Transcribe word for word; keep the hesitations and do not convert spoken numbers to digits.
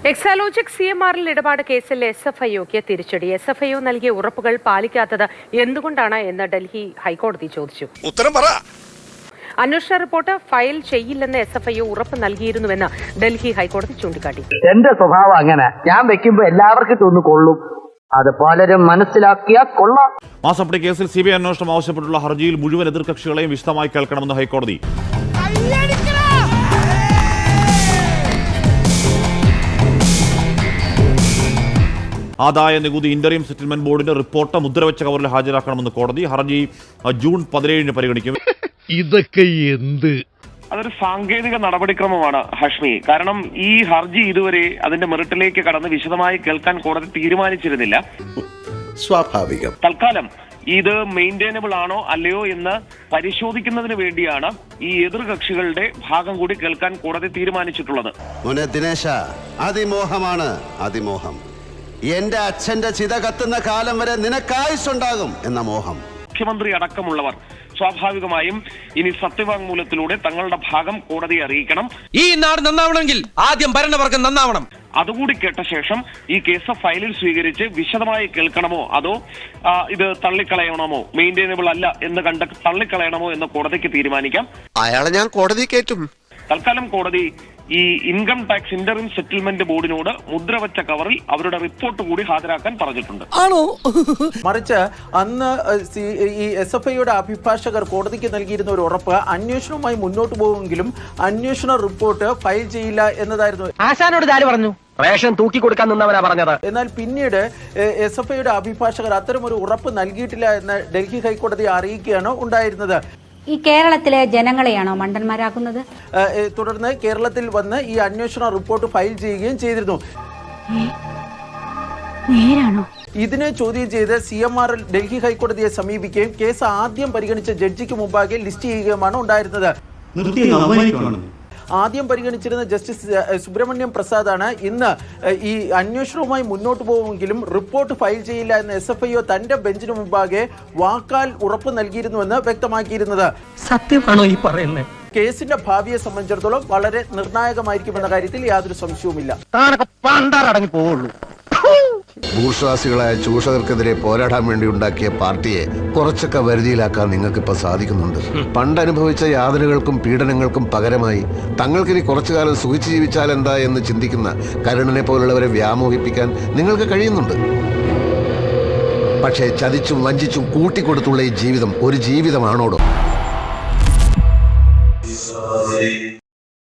Exalogic C M ആറിൽ ഇടപാട് കേസിൽ എസ് എഫ് ഐ ഒക്ക് തിരിച്ചടി. എസ് എഫ് ഐ ഒ നൽകിയ ഉറപ്പുകൾ പാലിക്കാത്തത് എന്തുകൊണ്ടാണ് എന്ന് ഡൽഹി ഹൈക്കോടതി ചോദിച്ചു. ഉത്തരം പറ. അന്വേഷണ റിപ്പോർട്ട് ഫയൽ ചെയ്യില്ലെന്ന് എസ് എഫ് ഐ ഒ ഉറപ്പ് നൽകിയിരുന്നുവെന്ന് ഡൽഹി ഹൈക്കോടതി ചൂണ്ടിക്കാട്ടി. എന്റെ സ്വഭാവം അങ്ങനെ, ഞാൻ വെക്കുമ്പോ എല്ലാവർക്കും തോന്നു കൊള്ളും, അത് പലരും മനസ്സിലാക്കിയാൽ കൊള്ളാം. മാസപ്പടി കേസിൽ സി ബി ഐ അന്വേഷണം ആവശ്യപ്പെട്ടുള്ള ഹർജിയിൽ മുഴുവൻ എതിർകക്ഷികളെയും വിശദമായി കേൾക്കണമെന്ന് ഹൈക്കോടതി. ആദായ നികുതി ഇന്ററിം സെറ്റിൽമെന്റ് ബോർഡിന്റെ റിപ്പോർട്ട് മുദ്രവെച്ച കവറിൽ ഹാജരാക്കണമെന്ന് കോടതി. ഹർജി ജൂൺ പതിനേഴിന് പരിഗണിക്കും. ഇതൊക്കെ എന്ത്? അതൊരു സാങ്കേതിക നടപടിക്രമമാണ് ഹാഷ്മി. കാരണം ഈ ഹർജി ഇതുവരെ അതിന്റെ മെറിറ്റിലേക്ക് കടന്ന് വിശദമായി കേൾക്കാൻ കോടതി തീരുമാനിച്ചിരുന്നില്ല. സ്വാഭാവികം. തൽക്കാലം ഇത് മെയിൻറ്റൈനബിൾ ആണോ അല്ലയോ എന്ന് പരിശോധിക്കുന്നതിന് വേണ്ടിയാണ് ഈ എതിർകക്ഷികളുടെ ഭാഗം കൂടി കേൾക്കാൻ കോടതി തീരുമാനിച്ചിട്ടുള്ളത്. ദിനേശ, അതിമോഹമാണ് അതിമോഹം. എന്റെ അച്ഛന്റെ ചിത കത്തുന്ന കാലം വരെ നിനക്കായുസുണ്ടാകും എന്ന മോഹം. മുഖ്യമന്ത്രി അടക്കമുള്ളവർ സ്വാഭാവികമായും ഇനി സത്യവാങ്മൂലത്തിലൂടെ തങ്ങളുടെ ഭാഗം കോടതിയെ അറിയിക്കണം. ഈ നാട് നന്നാവണമെങ്കിൽ ആദ്യം ഭരണവർഗം നന്നാവണം. അതുകൂടി കേട്ട ശേഷം ഈ കേസ് ഫയലിൽ സ്വീകരിച്ച് വിശദമായി കേൾക്കണമോ അതോ ഇത് തള്ളിക്കളയണമോ, മെയിൻറ്റൈനബിൾ അല്ല എന്ന് കണ്ട് തള്ളിക്കളയണമോ എന്ന് കോടതിക്ക് തീരുമാനിക്കാം. അയാളെ ഞാൻ കോടതി കയറ്റും. തൽക്കാലം കോടതി ഈ ഇൻകം ടാക്സ് ഇന്ററിം സെറ്റിൽമെന്റ് ബോർഡിനോട് മുദ്രവച്ച കവറിൽ അവരുടെ റിപ്പോർട്ട് കൂടി ഹാജരാക്കാൻ പറഞ്ഞിട്ടുണ്ട്. ആണോ? മറിച്ച് അന്ന് ഈ എസ് എഫ് ഐയുടെ അഭിഭാഷകർ കോടതിക്ക് നൽകിയിരുന്ന ഒരു ഉറപ്പ് അന്വേഷണവുമായി മുന്നോട്ട് പോകുമെങ്കിലും അന്വേഷണ റിപ്പോർട്ട് ഫയൽ ചെയ്യില്ല എന്നതായിരുന്നു. ആശാനോട് ആര് പറഞ്ഞു? റേഷൻ തൂക്കി കൊടുക്കാൻ നിന്നവരാ പറഞ്ഞത്. എന്നാൽ പിന്നീട് എസ് എഫ് ഐയുടെ അഭിഭാഷകർ അത്തരം ഒരു ഉറപ്പ് നൽകിയിട്ടില്ല എന്ന് ഡൽഹി ഹൈക്കോടതി അറിയിക്കുകയാണ് ഉണ്ടായിരുന്നത്. ഈ കേരളത്തിലെ ജനങ്ങളെയാണോ മണ്ടന്മാരാക്കുന്നത്? തുടർന്ന് കേരളത്തിൽ വന്ന് ഈ അന്വേഷണ റിപ്പോർട്ട് ഫയൽ ചെയ്യുകയും ചെയ്തിരുന്നു. ഇതിനെ ചോദ്യം ചെയ്ത് സി എം ആർ ഡൽഹി ഹൈക്കോടതിയെ സമീപിക്കുകയും കേസ് ആദ്യം പരിഗണിച്ച ജഡ്ജിക്ക് മുമ്പാകെ ലിസ്റ്റ് ചെയ്യുകയുമാണ് ഉണ്ടായിരുന്നത്. ആദ്യം പരിഗണിച്ചിരുന്ന ജസ്റ്റിസ് സുബ്രഹ്മണ്യം പ്രസാദാണ് ഇന്ന് ഈ അന്വേഷണവുമായി മുന്നോട്ട് പോകുമെങ്കിലും റിപ്പോർട്ട് ഫയൽ ചെയ്യില്ല എന്ന് എസ് എഫ് ഐ ഒ തന്റെ ബെഞ്ചിന് മുമ്പാകെ വാക്കാൽ ഉറപ്പ് നൽകിയിരുന്നുവെന്ന് വ്യക്തമാക്കിയിരുന്നത്. സത്യമാണോ ഈ പറയുന്നത്? കേസിന്റെ ഭാവിയെ സംബന്ധിച്ചിടത്തോളം വളരെ നിർണായകമായിരിക്കുമെന്ന കാര്യത്തിൽ യാതൊരു സംശയവുമില്ല. ഭൂഷ്വാസികളായ ചൂഷകർക്കെതിരെ പോരാടാൻ വേണ്ടി ഉണ്ടാക്കിയ പാർട്ടിയെ കുറച്ചൊക്കെ വരുതിയിലാക്കാൻ നിങ്ങൾക്കിപ്പോ സാധിക്കുന്നുണ്ട്. പണ്ടനുഭവിച്ച യാതനകൾക്കും പീഡനങ്ങൾക്കും പകരമായി തങ്ങൾക്കിനി കുറച്ചു കാലം സുഖിച്ചു ജീവിച്ചാൽ എന്താ എന്ന് ചിന്തിക്കുന്ന കരുണനെ പോലുള്ളവരെ വ്യാമോഹിപ്പിക്കാൻ നിങ്ങൾക്ക് കഴിയുന്നുണ്ട്. പക്ഷേ ചതിച്ചും വഞ്ചിച്ചും കൂട്ടിക്കൊടുത്തുള്ള ഈ ജീവിതം ഒരു ജീവിതമാണോടോ?